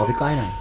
พี่ก้อยหน่อย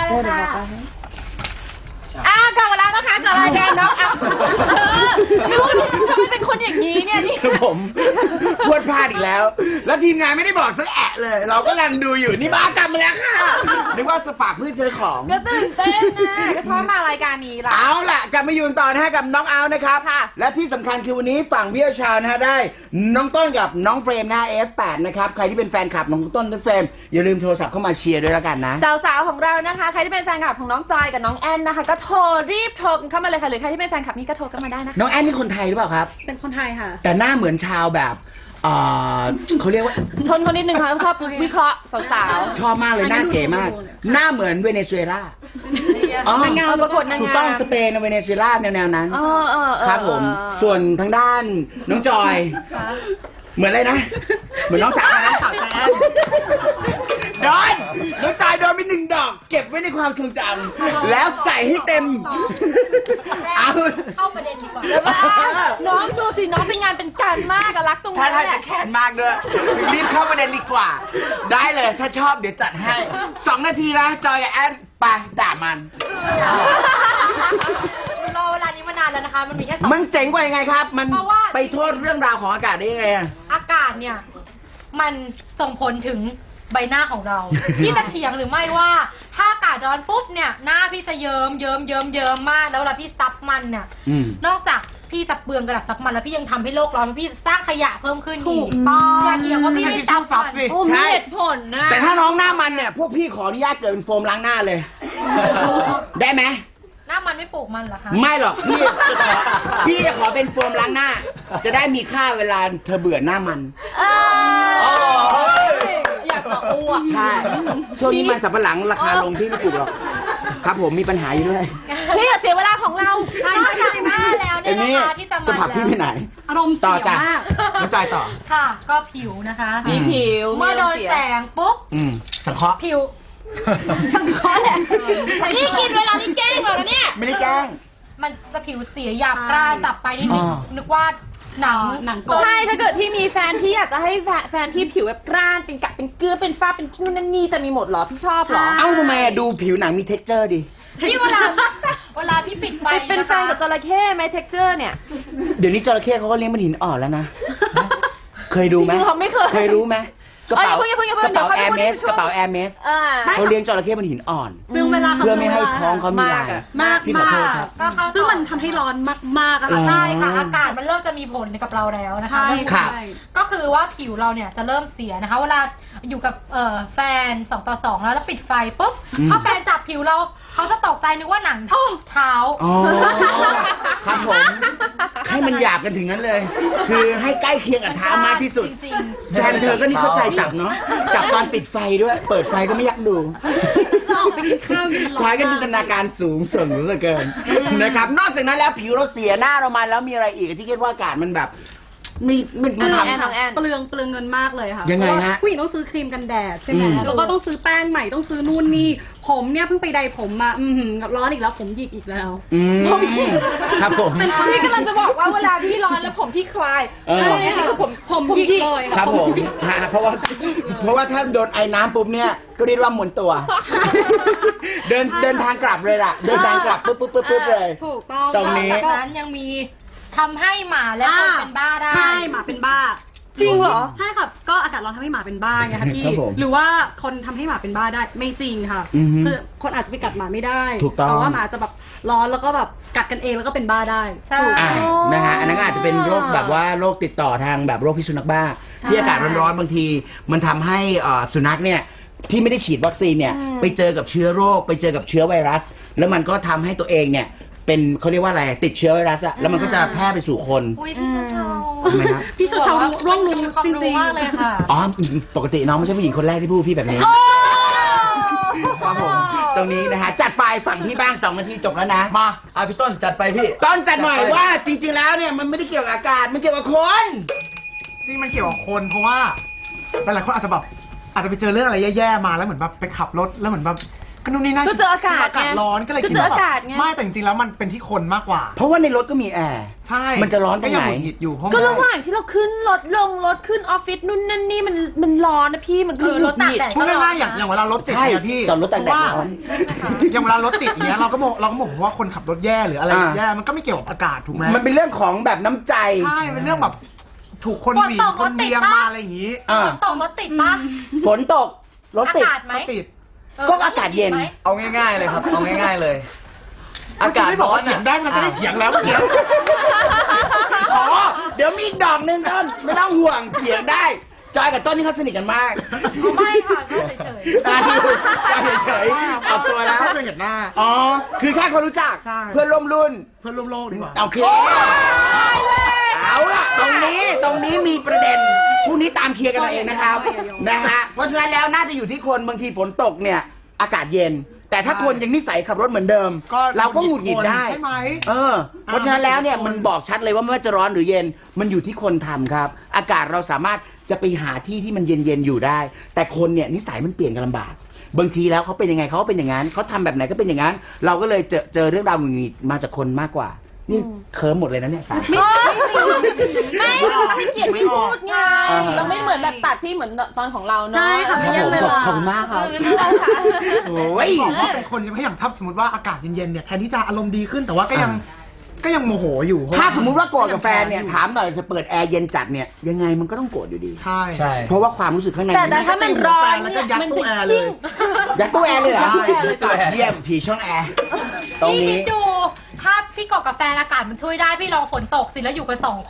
กลับมาแล้วนะคะกับรายการน้องอัพรู้ทำไมเป็นคนอย่างนี้เนี่ยนี่ผมพูดพลาดอีกแล้วแล้วทีมงานไม่ได้บอกสักแอะเลยเราก็กำลังดูอยู่นี่บ้ากลับมาแล้วค่ะนึกว่าสปากเพื่อซื้อของก็ตื่นเต้นนะก็ชอบมารายการนี้ละเอาล่ะกลับมาอยู่ต่อนะฮะกับน้องเอานะครับและที่สำคัญคือวันนี้ฝั่งพี่ชาวนะฮะได้น้องต้นกับน้องเฟรมนะ F8 นะครับใครที่เป็นแฟนคลับน้องต้นและเฟรมอย่าลืมโทรศัพท์เข้ามาเชียร์ด้วยแล้วกันนะสาวๆของเรานะคะใครที่เป็นแฟนคลับของน้องจอยกับน้องแอนนะคะก็รีบโทรเข้ามาเลยค่ะหรือใครที่เป็นแฟนคลับนี่ก็โทรเข้ามาได้นะคะน้องแอนนี่คนไทยหรือเปล่าครับเป็นคนไทยค่ะแต่หน้าเหมือนชาวแบบเขาเรียกว่าทนคนนิดนึงค่ะชอบวิเคราะห์สาวๆชอบมากเลยหน้าเก๋มากหน้าเหมือนเวเนซุเอลานางงามประกวดนางงามถูกต้องสเปนเวเนซุเอลาแนวนั้นครับผมส่วนทางด้านน้องจอยเหมือนอะไรนะเหมือนน้องสาวนะโดนน้องจอยโดนไป1 ดอกเก็บไว้ในความทรงจำแล้วใส่ให้เต็มเอาเข้าประเด็นดีกว่าน้องดูสิน้องเป็นงานเป็นการมากรักตรงนี้ถ้าจะแขนมากด้วยรีบเข้าประเด็นดีกว่าได้เลยถ้าชอบเดี๋ยวจัดให้2 นาทีนะจอยกับแอนไปด่ามันรอเวลานี้มานานแล้วนะคะมันมีแค่มันเจ๋งกว่ายังไงครับมันไปโทษเรื่องราวของอากาศได้ยังไงอากาศเนี่ยมันส่งผลถึงใบหน้าของเราพี่จะเถียงหรือไม่ว่าถ้าอากาศร้อนปุ๊บเนี่ยหน้าพี่จะเยิ้มมากแล้วเวลาพี่ซับมันเนี่ยนอกจากพี่จะเปลืองกระดาษซับมันแล้วพี่ยังทำให้โลกร้อนพี่สร้างขยะเพิ่มขึ้นอีกอย่าเถียงว่าพี่ไม่ซับมันใช่เหตุผลนะแต่ถ้าน้องหน้ามันเนี่ยพวกพี่ขออนุญาตเกิดเป็นโฟมล้างหน้าเลยได้ไหมหน้ามันไม่ปลูกมันเหรอคะไม่หรอกพี่จะขอเป็นโฟมล้างหน้าจะได้มีค่าเวลาเธอเบื่อหน้ามันอยากจะอ้วกใช่ช่วงนี้มันสับปะหลังราคาลงที่ไม่ปลูกหรอกครับผมมีปัญหาอยู่ด้วยพี่อย่าเสียเวลาของเราใช่ไหมแล้วเนี่ยนะคะที่จะผักพี่ไปไหนอารมณ์เสียมากน้องจอยต่อค่ะก็ผิวนะคะมีผิวเมื่อโดนแสงปุ๊บสังเคราะห์ผิวสังเคราะห์แหละนี่กินเวลานี่แกล้งเหรอเนี่ยไม่ได้แกล้งมันจะผิวเสียหยาบกร้านจับไปนี่นึกว่าหนังใช่ถ้าเกิดที่มีแฟนพี่อยากจะให้แฟนที่ผิวแบบกร้านเป็นกะเป็นเกลือเป็นฝ้าเป็นนู่นนั่นนี่จะมีหมดเหรอพี่ชอบเหรอเอ้าทำไมดูผิวหนังมี texture ดินี่เวลาพี่ปิดไฟเป็นแฟนกับจระเข้ไหม texture เนี่ยเดี๋ยวนี้จระเข้เขาก็เลี้ยงเป็นหินอ่อนแล้วนะเคยดูไหมไม่เคยรู้ไหมกระเป๋าแอร์เมสเขาเลี้ยงจระเข้บนหินอ่อนเพื่อไม่ให้ท้องเขามีลายมากซึ่งมันทำให้ร้อนมากๆอะค่ะใช่ค่ะอากาศมันเริ่มจะมีผลกับเราแล้วนะคะก็คือว่าผิวเราเนี่ยจะเริ่มเสียนะคะเวลาอยู่กับแฟน2 ต่อ 2แล้วปิดไฟปุ๊บถ้าแฟนจับผิวเราเขาจะตกใจนึกว่าหนังเท้าครับผมให้มันหยาบกันถึงนั้นเลยคือให้ใกล้เคียงกับเท้ามากที่สุดแฟนเธอก็นี่เข้าใจจับเนาะจับตอนปิดไฟด้วยเปิดไฟก็ไม่อยากดูท้ายก็จินตนาการสูงส่งเหลือเกินนะครับนอกจากนั้นแล้วผิวเราเสียหน้าเรามาแล้วมีอะไรอีกที่คิดว่าอากาศมันแบบไม่ทำเปลืองเงินมากเลยค่ะยังไงฮะผู้หญิงต้องซื้อครีมกันแดดใช่ไหมแล้วก็ต้องซื้อแป้งใหม่ต้องซื้อนู่นนี่ผมเนี่ยเพิ่งไปไดผมมาร้อนอีกแล้วผมหยิกอีกแล้วครับผมพี่กำลังจะบอกว่าเวลาพี่ร้อนแล้วผมพี่คลายนี่คือผมหยิกเลยครับผมเพราะว่าถ้าโดนไอ้น้ำปุ๊บเนี่ยก็เรียกว่าหมุนตัวเดินทางกลับเลยล่ะเดินทางกลับปุ๊บเลยถูกต้องตรงนี้นั้นยังมีทำให้หมาและคนเป็นบ้าได้ใช่หมาเป็นบ้าจริงเหรอใช่ค่ะก็อากาศร้อนทำให้หมาเป็นบ้าไงคะพี่หรือว่าคนทำให้หมาเป็นบ้าได้ไม่จริงค่ะคือคนอาจจะไปกัดหมาไม่ได้แต่ว่าหมาจะแบบร้อนแล้วก็แบบกัดกันเองแล้วก็เป็นบ้าได้ใช่นะฮะอันนั้นอาจจะเป็นโรคแบบว่าโรคติดต่อทางแบบโรคพิษสุนัขบ้าที่อากาศร้อนๆบางทีมันทำให้สุนัขเนี่ยที่ไม่ได้ฉีดวัคซีนเนี่ยไปเจอกับเชื้อโรคไปเจอกับเชื้อไวรัสแล้วมันก็ทำให้ตัวเองเนี่ยเป็นเขาเรียกว่าอะไรติดเชื้อไวรัสอะแล้วมันก็จะแพร่ไปสู่คนพี่เชาร่วงรู้จริงๆมากเลยค่ะอ๋อปกติน้องไม่ใช่ผู้หญิงคนแรกที่พูดพี่แบบนี้ครับผมตรงนี้นะฮะจัดไปฝั่งพี่บ้าง2 นาทีจบแล้วนะมาพี่ต้นจัดไปพี่ต้นจัดหน่อยว่าจริงๆแล้วเนี่ยมันไม่ได้เกี่ยวกับอากาศมันเกี่ยวกับคนจริงมันเกี่ยวกับคนเพราะว่าหลายคนอาจจะไปเจอเรื่องอะไรแย่ๆมาแล้วเหมือนแบบไปขับรถแล้วเหมือนแบบก็นู่นนี่นั่นก็เจออากาศอากาศร้อนก็เลยก็คิดเจอว่าอากาศไงไม่แต่จริงๆแล้วมันเป็นที่คนมากกว่าเพราะว่าในรถก็มีแอร์ใช่มันจะร้อนตรงไหนก็ยังหงุดหงิดอยู่เพราะก็มันระหว่างที่เราขึ้นรถลงรถขึ้นออฟฟิศนู่นนั่นนี่มันร้อนนะพี่มันคือรถตากแดดพูดง่ายๆอย่างเวลารถติดใช่เนี่ยพี่จอดรถตากแดดเพราะว่าร้อนอย่างเวลารถติดอย่างเงี้ยเราก็บอกว่าคนขับรถแย่หรืออะไรอ่าแย่มันก็ไม่เกี่ยวกับอากาศถูกไหมมันเป็นเรื่องของแบบน้ำใจใช่เป็นเรื่องแบบถูกคนหวีคนเบียงมาอะไรอย่างงี้อ่าตกรถติดปะฝนตกรถติดอากาศไหมก็ติดก็อากาศเย็นไหมเอาง่ายๆเลยครับ เอาง่ายๆเลย อากาศไม่บอกร้อว่าน เถียงได้มันจะได้เถียงแล้วเมื่อกี้อ๋อ เดี๋ยวมีอีกดอกหนึ่งต้นไม่ต้องห่วงเถียงได้ จอยกับต้นนี่เขาสนิทกันมากไม่ค่ะก็เฉยๆอ่าเฉยๆเอาตัวแล้วแค่เป็นกับหน้าอ๋อ คือแค่คนรู้จักใช่เพื่อนร่วมรุ่นเพื่อนร่วมโลกดีกว่าโอเค เอาล่ะ ตรงนี้มีประเด็นพรุ่งนี้ตามเคลียร์กันเอาเองนะครับ นะฮะ เพราะฉะนั้นแล้วน่าจะอยู่ที่คนบางทีฝนตกเนี่ย อากาศเย็น แต่ถ้าคนยังนิสัยขับรถเหมือนเดิม เราก็หงุดหงิดได้ใช่ไหมเพราะฉะนั้นแล้วเนี่ยมันบอกชัดเลยว่าไม่ว่าจะร้อนหรือเย็น มันอยู่ที่คนทำครับ อากาศเราสามารถจะไปหาที่ที่มันเย็นๆอยู่ได้ แต่คนเนี่ยนิสัยมันเปลี่ยนกันลำบาก บางทีแล้วเขาเป็นยังไงเขาก็เป็นอย่างนั้นเขาทำแบบไหนก็เป็นอย่างนั้น เราก็เลยเจอเรื่องราวหงุดหงิดมาจากคนมากกว่า นี่เคิร์มหมดเลยนะเนี่ยสายไม่ไม่เกียดไม่พูดไงอ่าเราไม่เหมือนแบบตัดพี่เหมือนตอนของเราเนาะใช่ค่ะไม่คยัรับงผมเลยขอบคุณมากครับไม่เป็นไรค่ะโอ้ยบอกว่าเป็นคนยังไม่อย่างถ้าสมมติว่าอากาศเย็นๆเนี่ยแทนที่จะอารมณ์ดีขึ้นแต่ว่าก็ยังโมโหอยู่เพระถ้าสมมุติว่าโกรธกับแฟนเนี่ยถามหน่อยจะเปิดแอร์เย็นจัดเนี่ยยังไงมันก็ต้องโกรธอยู่ดีใช่ใช่เพราะว่าความรู้สึกข้างในแต่ถ้ามันร้อนเนี่ยแล้วก็ยัดมันตู้จะแอร์เลยยิ่งยัดตู้แอร์เลยเหรอยัดตู้แอร์เลยค่ะเยี่ยมผีช่องแอร์ตรงพี่คินี้ดดูถ้าพี่กอกกับแฟนอากาศมันช่วยได้พี่ลองฝนตกสิแล้วอยู่กัน2 คน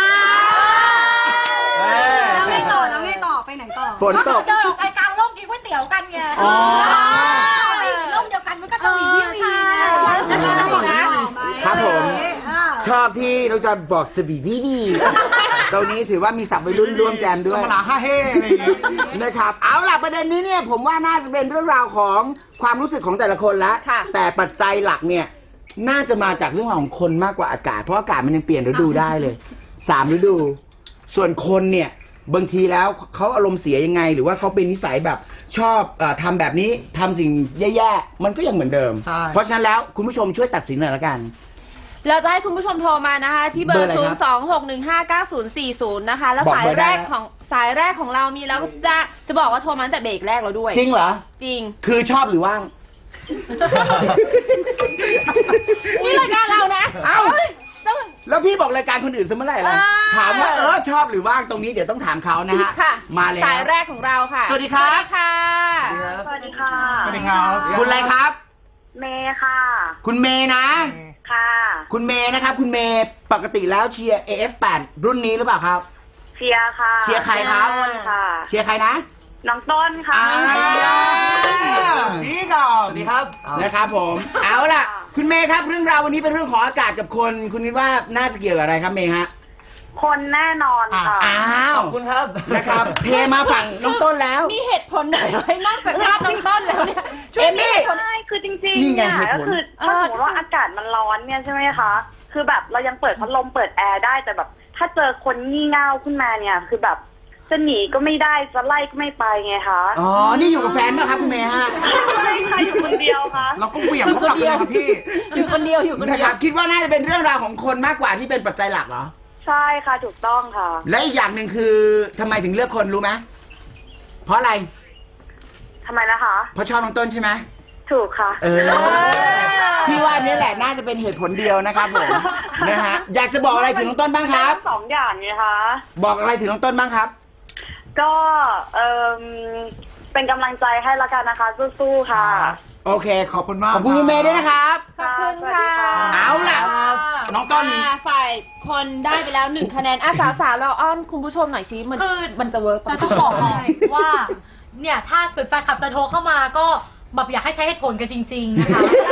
แล้วไงต่อไปไหนต่อฝนตกเดินออกไปกลางร่มกินก๋วยเตี๋ยวกันไงอ๋อร่มเดียวกันมันก็จะมีวิวดีนะครับผม ชอบที่เราจะบอกสบีดีตรงนี้ถือว่ามีศัพท์วัยรุ่นร่วมแจมด้วยธรรมดา5เฮ่อะไรอย่างเงี้ยนะครับ เอาล่ะประเด็นนี้เนี่ยผมว่าน่าจะเป็นเรื่องราวของความรู้สึกของแต่ละคนละค่ะแต่ปัจจัยหลักเนี่ยน่าจะมาจากเรื่องราวของคนมากกว่าอากาศ เพราะอากาศมันยังเปลี่ยนฤดูได้เลย3 ฤดู ส่วนคนเนี่ยบางทีแล้วเขาอารมณ์เสียยังไง หรือว่าเขาเป็นนิสัยแบบชอบทำแบบนี้ทำสิ่งแย่ๆมันก็ยังเหมือนเดิมใช่เพราะฉะนั้นแล้วคุณผู้ชมช่วยตัดสินหน่อยละกันเราจะให้คุณผู้ชมโทรมานะคะ ที่เบอเบอร์ร์อะไรครับ 026159040 นะคะ แล้วบอกสายเบอร์แรได้กของเรามีแล้วจะบอกว่าโทรมาตั้งแต่เบรกแรกแล้วด้วยจริงเหรอจริงคือชอบหรือว่างนี่รายการเรานะเอ้าต้องแล้วพี่บอกรายการคนอื่นซะเมื่อไหร่ล่ะ ถามว่าชอบหรือว่างตรงนี้เดี๋ยวต้องถามเขานะฮะค่ะมาเลยสายแรกของเราค่ะสวัสดีครับค่ะสวัสดีค่ะสวัสดีครับคุณอะไรครับเมย์ค่ะคุณเมย์นะค่ะคุณเมย์นะครับ คุณเมย์ปกติแล้วเชียร์ AF8 รุ่นนี้หรือเปล่าครับเชียร์ค่ะเชียร์ใครครับต้นค่ะเชียร์ใครนะน้องต้นค่ะนี่ก่อนสวัสดีครับนะครับผม เอาล่ะ คุณเมย์ครับเรื่องราววันนี้เป็นเรื่องของอากาศกับคน คุณคิดว่าน่าจะเกี่ยวกับอะไรครับเมย์ฮะคนแน่นอนค่ะอ้าวขอบคุณครับนะครับเทมาฝั่งน้องต้นแล้วมีเหตุผลไหนไหมนอกจากภาพน้องต้นแล้วเนี่ยเอมมี่ใช่คือจริงนี่ๆไงเนี่ยเหตุผลก็คือถ้าสมมติว่าอากาศมันร้อนเนี่ยใช่ไหมคะ คือแบบเรายังเปิดพัดลมเปิดแอร์ได้แต่แบบ ถ้าเจอคนงี่เง่าขึ้นมาเนี่ย คือแบบจะหนีก็ไม่ได้จะไล่ก็ไม่ไปไงคะอ๋อ นี่อยู่กับแฟนป่ะครับคุณเมย์ฮะไม่ใช่อยู่คนเดียวค่ะเราก็เหวี่ยงเขากลับเลยครับพี่อยู่คนเดียวอยู่คนนะเดีคยรัวบคิดว่าน่าจะเป็นเรื่องราวของคนมากกว่าที่เป็นปัจจัยหลักเหรอใช่ค่ะถูกต้องค่ะและอีกอย่างหนึ่งคือทำไมถึงเลือกคนรู้ไหมเพราะอะไรทำไมนะคะเพราะชอบน้องต้นใช่ไหมถูกค่ะพี่ว่านี่แหละน่าจะเป็นเหตุผลเดียวนะครับผม นะฮะอยากจะบอกอะไรถึงน้องต้นบ้างครับสองอย่างไงคะบอกอะไรถึงน้องต้นบ้างครับก็เป็นกำลังใจให้ละกันนะคะสู้ๆค่ะโอเค ขอบคุณมากขอบคุณคุณเมย์ด้วยนะครับขอบคุณค่ะเอาล่ะ น้องต้นฝ่ายคนได้ไปแล้ว1 คะแนนสาวๆเราอ้อนคุณผู้ชมหน่อยสิมันคือมันจะเวิร์กแต่ต้องบอกเลยว่าเนี่ยถ้าเกิดแฟนคลับจะโทรเข้ามาก็แบบอยากให้ใช้เหตุผลกันจริง ๆ นะคะ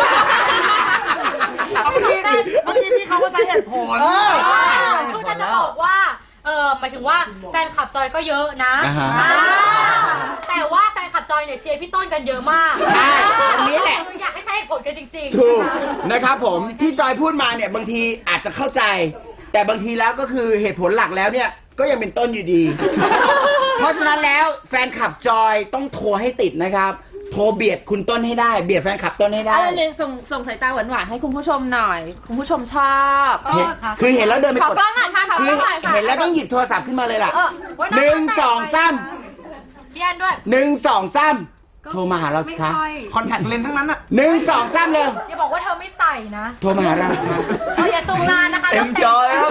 เมื่อกี้พี่เขาก็ใช้เหตุผลคือจะบอกว่าหมายถึงว่าแฟนคลับจอยก็เยอะนะอ่าฮะแต่ว่าแฟนคลับจอยเนี่ยเชียร์พี่ต้นกันเยอะมากใช่อันนี้แหละคืออยากให้ใช้เหตุผลกันจริงๆถูกนะคะนะครับผมที่จอยพูดมาเนี่ยบางทีอาจจะเข้าใจ แต่บางทีแล้วก็คือเหตุผลหลักแล้วเนี่ยก็ยังเป็นต้นอยู่ดี เพราะฉะนั้นแล้วแฟนคลับจอยต้องโทรให้ติดนะครับโทรเบียดคุณต้นให้ได้เบียดแฟนคลับต้นให้ได้อะไรเลยส่งสายตาหวานๆให้คุณผู้ชมหน่อย คุณผู้ชมชอบเห็นคือเห็นแล้วเดินไปขอกดกล้องหน่อยค่ะขอกคืล้อองหน่อยค่ะเห็นแล้วต้องหยิบโทรศัพท์ขึ้นมาเลยล่ะว่าหนึ่งสองสามพี่แอนด้วยหนึ่งสองสามโทรมาหาเราสิไม่คะค่อยคอนแทคเลนส์ทั้งนั้นอะหนึ่งสองสามเลยอย่าบอกว่าเธอไม่ใส่นะโทรมาหาเราสิคะอย่าซูมนานนะคะเต็มจอครับ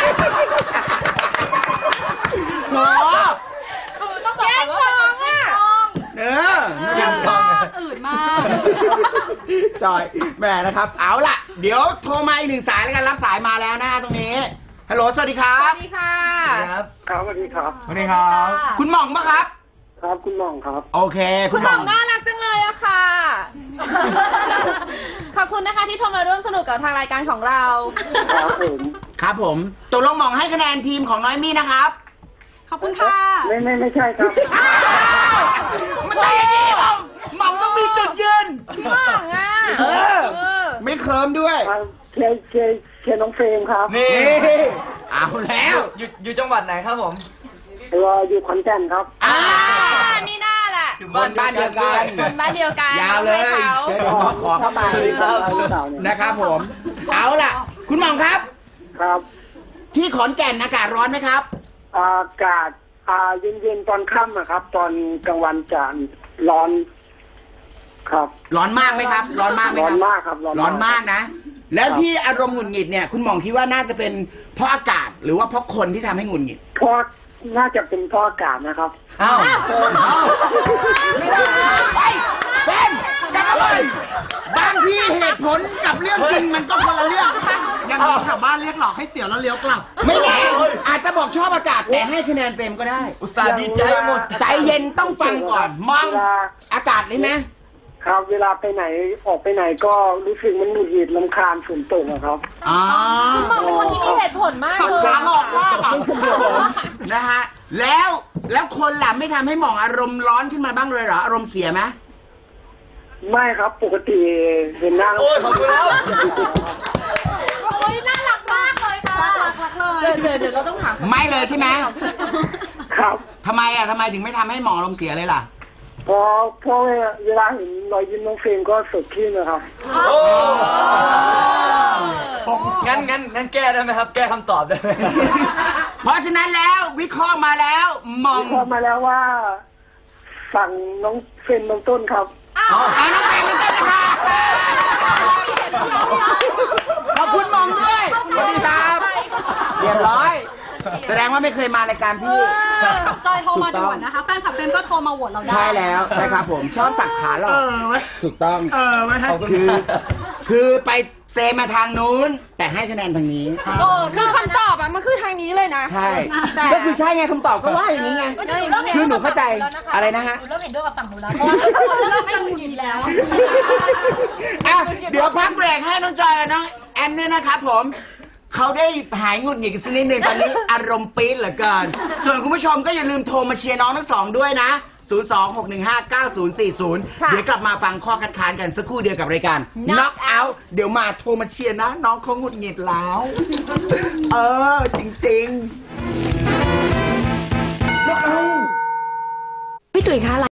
โหคือต้องบอกก่อนว่าเป็นพี่น้องเออเยี่ยมมากอืดมากจอยแหม่นะครับ เอาล่ะ เดี๋ยวโทรมาอีกหนึ่งสายแล้วกันรับสายมาแล้วนะตรงนี้ ฮัลโหล สวัสดีครัสบวัสดีค่ะครับครับสวัสดีครับสวัสดีครับ คุณหม่องปะครับครับคุณหม่องครับโอเคคุณหม่องน่ารักจังเลยอะค่ะ ขอบคุณนะคะที่โทรมาร่วมสนุกกับทางรายการของเราครับผมครับผมตกลงหม่องให้คะแนนทีมของน้อยมี่นะครับขอบคุณค่ะไม่ใช่ครับมันต้องอย่างนี้หม่องหม่องต้องมีจุดยืนพี่หม่องอะเออ ไม่เคิร์มด้วยเชียร์น้องเฟรมครับนี่นี่เอาแล้วอยู่จังหวัดไหนครับผมอยู่ขอนแก่นครับอ่านี่น่าแหละอยู่คนบ้านเดียวกันคนบ้านเดียวกันยาวเลยให้เขาเดี๋ยวขอเข้ามา นะครับผม เอาล่ะ คุณหม่องครับครับที่ขอนแก่นอากาศร้อนไหมครับอากาศเย็นๆตอนค่ำอะครับ ตอนกลางวันจะร้อน ครับร้อนมากไหมครับ ร้อนมากไหมครับร้อนมากครับร้อนมากร้อนมากนะ แล้วที่อารมณ์หงุดหงิดเนี่ย คุณหม่องคิดว่าน่าจะเป็นเพราะอากาศหรือว่าเพราะคนที่ทำให้หงุดหงิดเพราะน่าจะเป็นเพราะอากาศนะครับอ้าวไม่ได้ไปเต้นกลับมาเลยบางทีเหตุผลกับเรื่องจริงมันก็คนละเรื่องยังมีแถวบ้านเรียกหลอกให้เสียวแล้วเลี้ยวกลับไม่แน่อาจจะบอกชอบอากาศแต่ให้คะแนนเต็มก็ได้อุตส่าห์ดีใจหมดใจเย็นต้องฟังก่อน มองอากาศได้ไหมครับ เวลาไปไหนออกไปไหนก็รู้สึกมันหงุดหงิดรำคาญฝนตกอะครับอ๋อคุณหม่องเป็นคนที่มีเหตุผลมากเลยขาหลอกว่านะฮะ แล้วคนล่ะไม่ทำให้หม่องอารมณ์ร้อนขึ้นมาบ้างเลยเหรอ อารมณ์เสียไหมไม่ครับปกติเห็นหน้าโอ้ยขอบคุณแล้วโอ้ยน่ารักมากเลยค่ะเดี๋ยวเราต้องถามไม่เลยใช่ไหมครับทำไมถึงไม่ทำให้หม่องอารมณ์เสียเลยล่ะเพราะเวลาเห็นรอยยิ้มน้องเฟรมก็สดชื่นนะครับโอ้งั้นแก้ได้ไหมครับ แก้คำตอบได้ไหมเพราะฉะนั้นแล้ววิเคราะห์มาแล้วหม่องพอมาแล้วว่าสั่งน้องเฟรมน้องต้นครับเอาน้องเฟรมมันก็จะมาขอบคุณหม่องด้วยสวัสดีครับเรียบร้อย แสดงว่าไม่เคยมารายการพี่จอยโทรมาด่วนนะคะ แฟนคลับเฟรมก็โทรมาโหวตเราได้ใช่แล้วนะครับผมชอบสักขาหรอกเว้ยถูกต้องไม่ให้ขอบคุณคือไปเซมาทางนู้น แต่ให้คะแนนทางนี้คือคำตอบอะมันคือทางนี้เลยนะใช่แต่ก็คือใช่ไงคำตอบก็ว่าอย่างนี้ไง คือหนูเข้าใจอะไรนะฮะหนูเริ่มเห็นด้วยกับฝั่งหนูแล้วเพราะว่าทุกคนเริ่มไม่หงุดหงิดแล้วอ่ะเดี๋ยวพักเบรกให้น้องจอยกับน้องแอนเนี่ยนะครับผม เขาได้หายหงุดหงิดกันสักนิดหนึ่งตอนนี้ อารมณ์ปี๊ดเหลือเกิน ส่วนคุณผู้ชมก็อย่าลืมโทรมาเชียร์น้องทั้งสองด้วยนะ 026159040 เดี๋ยวกลับมาฟังข้อคัดค้านกันสักครู่เดียวกับรายการ Knock Out เดี๋ยวมาโทรมาเชียร์นะ น้องเขาหงุดหงิดแล้ว จริงๆ Knock Out พี่ตุ๋ยคะ